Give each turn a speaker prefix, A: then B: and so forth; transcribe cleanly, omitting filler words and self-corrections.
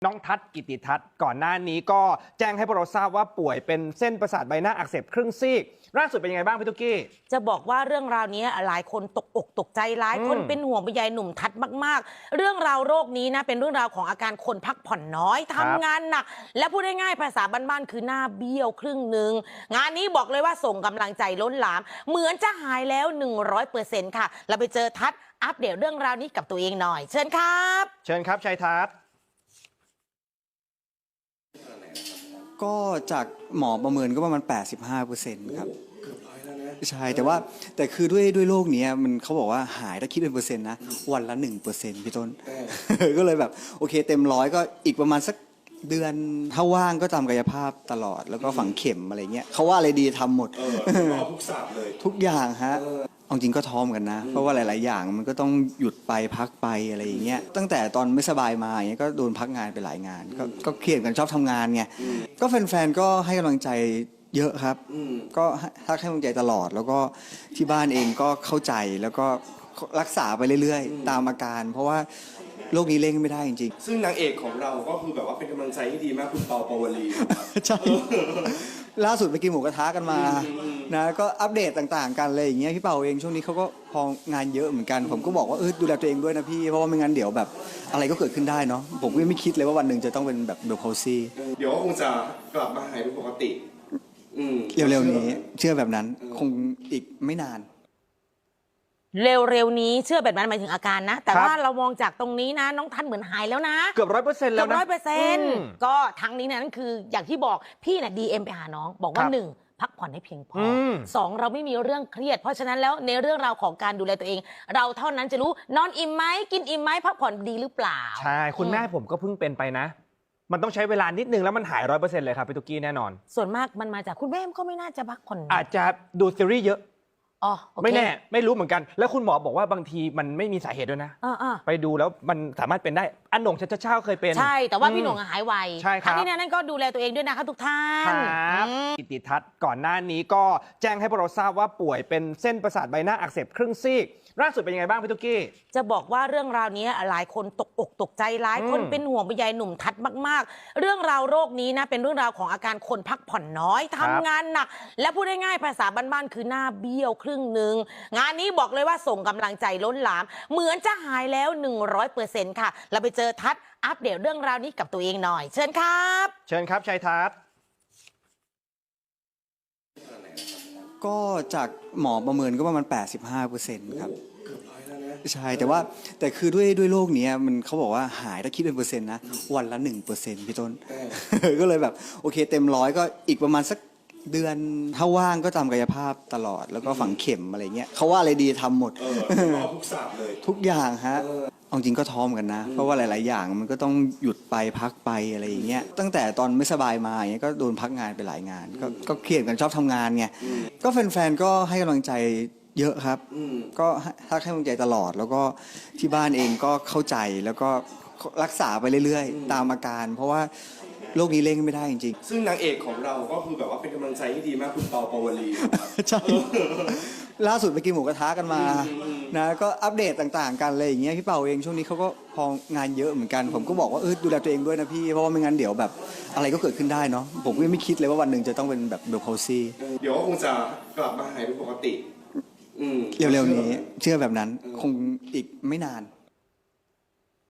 A: น้องทัศน์กิติทัศน์ก่อนหน้านี้ก็แจ้งให้พวกเราทราบว่าป่วยเป็นเส้นประสาทใบหน้าอักเสบครึ่งซีกล่าสุดเป็นยังไงบ้างพี่ตุ๊กกี้
B: จะบอกว่าเรื่องราวนี้หลายคนตกอกตกใจหลายคนเป็นห่วงเป็นใยหนุ่มทัศน์มากๆเรื่องราวโรคนี้นะเป็นเรื่องราวของอาการคนพักผ่อนน้อยทำงานหนักและพูดง่ายๆภาษาบ้านๆคือหน้าเบี้ยวครึ่งหนึ่งงานนี้บอกเลยว่าส่งกำลังใจล้นหลามเหมือนจะหายแล้ว 100% ค่ะเราไปเจอทัศน์อัปเดตเรื่องราวนี้กับตัวเองหน่อยเชิญครับ
A: เชิญครับชัยทัศน์
C: ก็จากหมอประเมินก็ประมาณ 85%ครับใช่แต่คือด้วยโรคนี้มันเขาบอกว่าหายถ้าคิดเป็นเปอร์เซ็นต์นะวันละ 1% พี่ต้น ก็เลยแบบโอเคเต็มร้อยก็อีกประมาณสักเดือนถ้าว่างก็ทำกายภาพตลอดแล้วก็ฝังเข็มอะไรเงี้ยเขาว่าอะไรดีทำหมด
D: ทุกศาสตร์เลย
C: ทุกอย่างฮะเอาจริงก็ท้อมกันนะเพราะว่าหลายๆอย่างมันก็ต้องหยุดไปพักไปอะไรอย่างเงี้ยตั้งแต่ตอนไม่สบายมาอย่างเงี้ยก็โดนพักงานไปหลายงานก็เครียดกันชอบทำงานไงก็แฟนๆก็ให้กำลังใจเยอะครับก็ทักให้กำลังใจตลอดแล้วก็ที่บ้านเองก็เข้าใจแล้วก็รักษาไปเรื่อยๆตามอาการเพราะว่าโรคนี้เล่นไม่ได้จริง
D: ๆซึ่งนางเอกของเราก็คือแบบว่าเป็นกำลังใจที่ดีมากคุณเปาปาวลี
C: ใช่ล่าสุดไปกินหมูกระทะกันมานะก็อัปเดตต่างๆกันเลยอย่างเงี้ยพี่เปาเองช่วงนี้เขาก็พองานเยอะเหมือนกันผมก็บอกว่าดูแลตัวเองด้วยนะพี่เพราะว่าไม่งั้นเดี๋ยวแบบอะไรก็เกิดขึ้นได้เนาะผมก็ไม่คิดเลยว่าวันหนึ่งจะต้องเป็นแบบเบลพาวซี
D: เดี๋ยวคงจะกลับมาหายเป็นปกติ
C: เร็วๆนี้เชื่อแบบนั้นคงอีกไม่นาน
B: เร็วๆนี้เชื่อแบบนั้นหมายถึงอาการนะแต่ว่าเรามองจากตรงนี้นะน้องทัศน์เหมือนหายแล้วนะ
A: เกือบ100%แล้วนะ
B: 100%ก็ทั้งนี้นั้นคืออย่างที่บอกพี่น่ะ DM ไปหาน้องบอกว่า1พักผ่อนให้เพียงพอ2เราไม่มีเรื่องเครียดเพราะฉะนั้นแล้วในเรื่องราวของการดูแลตัวเองเราเท่านั้นจะรู้นอนอิ่มไหมกินอิ่มไหมพักผ่อนดีหรือเปล่า
A: ใช่คุณแม่ผมก็เพิ่งเป็นไปนะมันต้องใช้เวลานิดนึงแล้วมันหาย 100% เลยครับพี่ตุ๊กกี้แน่นอน
B: ส่วนมากมันมาจากคุณแม่ก็ไม่น่าจะพักผ่อน
A: อาจจะดูซีรีส์เยอะ
B: ไม่
A: แน่ไม่รู้เหมือนกันแล้วคุณหมอบอกว่าบางทีมันไม่มีสาเหตุด้วยนะไปดูแล้วมันสามารถเป็นได้อันหน่งชัชชาเคยเป็น
B: ใช่แต่ว่าพี่หน่งหายไว
A: ใช่ครับ
B: ที่นั่นก็ดูแลตัวเองด้วยนะคะทุกท่าน
A: ครับกิติทัศน์ก่อนหน้านี้ก็แจ้งให้พวกเราทราบว่าป่วยเป็นเส้นประสาทใบหน้าอักเสบครึ่งซีกล่าสุดเป็นยังไงบ้างพี่ตุ๊กกี้
B: จะบอกว่าเรื่องราวนี้หลายคนตกอกตกใจหลายคนเป็นห่วงเป็นใยหนุ่มทัศน์มากๆเรื่องราวโรคนี้นะเป็นเรื่องราวของอาการคนพักผ่อนน้อยทำงานหนักและพูดง่ายๆภาษาบ้านๆคือหน้าเบี้ยวครึ่งหนึ่งงานนี้บอกเลยว่าส่งกำลังใจล้นหลามเหมือนจะหายแล้ว 100% ค่ะเราไปเจอทัศน์อัปเดตเรื่องราวนี้กับตัวเองหน่อยเชิญครับ
A: เชิญครับชัยทัศน์
C: ก็จากหมอประเมินก็ประมาณ 85%ครับใช่แต่คือด้วยโรคนี้มันเขาบอกว่าหายถ้าคิดเป็นเปอร์เซ็นต์นะวันละ 1% พี่ต้น ก็เลยแบบโอเคเต็มร้อยก็อีกประมาณสักเดือนถ้าว่างก็ทำกายภาพตลอดแล้วก็ฝังเข็มอะไรเงี้ยเขาว่าอะไรดีทำหมด
D: ทุกศาสตร์เลย
C: ทุกอย่างฮะเอาจริงก็ท้อมกันนะเพราะว่าหลายๆอย่างมันก็ต้องหยุดไปพักไปอะไรอย่างเงี้ยตั้งแต่ตอนไม่สบายมาอย่างเงี้ยก็โดนพักงานไปหลายงานก็เครียดกันชอบทำงานไงก็แฟนๆก็ให้กำลังใจเยอะครับก็ทักให้กำลังใจตลอดแล้วก็ที่บ้านเองก็เข้าใจแล้วก็รักษาไปเรื่อยๆตามอาการเพราะว่าโรคนี้เล่นไม่ได้จริง
D: ๆซึ่งนางเอกของเราก็คือแบบว่าเป็นกำลังใจที่ดีมากคุณเปาปาวลี
C: ใช่ล่าสุดไปกินหมูกระทะกันมานะก็อัปเดตต่างๆกันเลยอย่างเงี้ยพี่เปาเองช่วงนี้เขาก็พองานเยอะเหมือนกันผมก็บอกว่าดูแลตัวเองด้วยนะพี่เพราะว่าไม่งั้นเดี๋ยวแบบอะไรก็เกิดขึ้นได้เนาะผมก็ไม่คิดเลยว่าวันหนึ่งจะต้องเป็นแบบเบลพาวซี
D: เดี๋ยวคงจะกลับมาหายเป็นปกติ
C: เร็วๆนี้เชื่อแบบนั้นคงอีกไม่นาน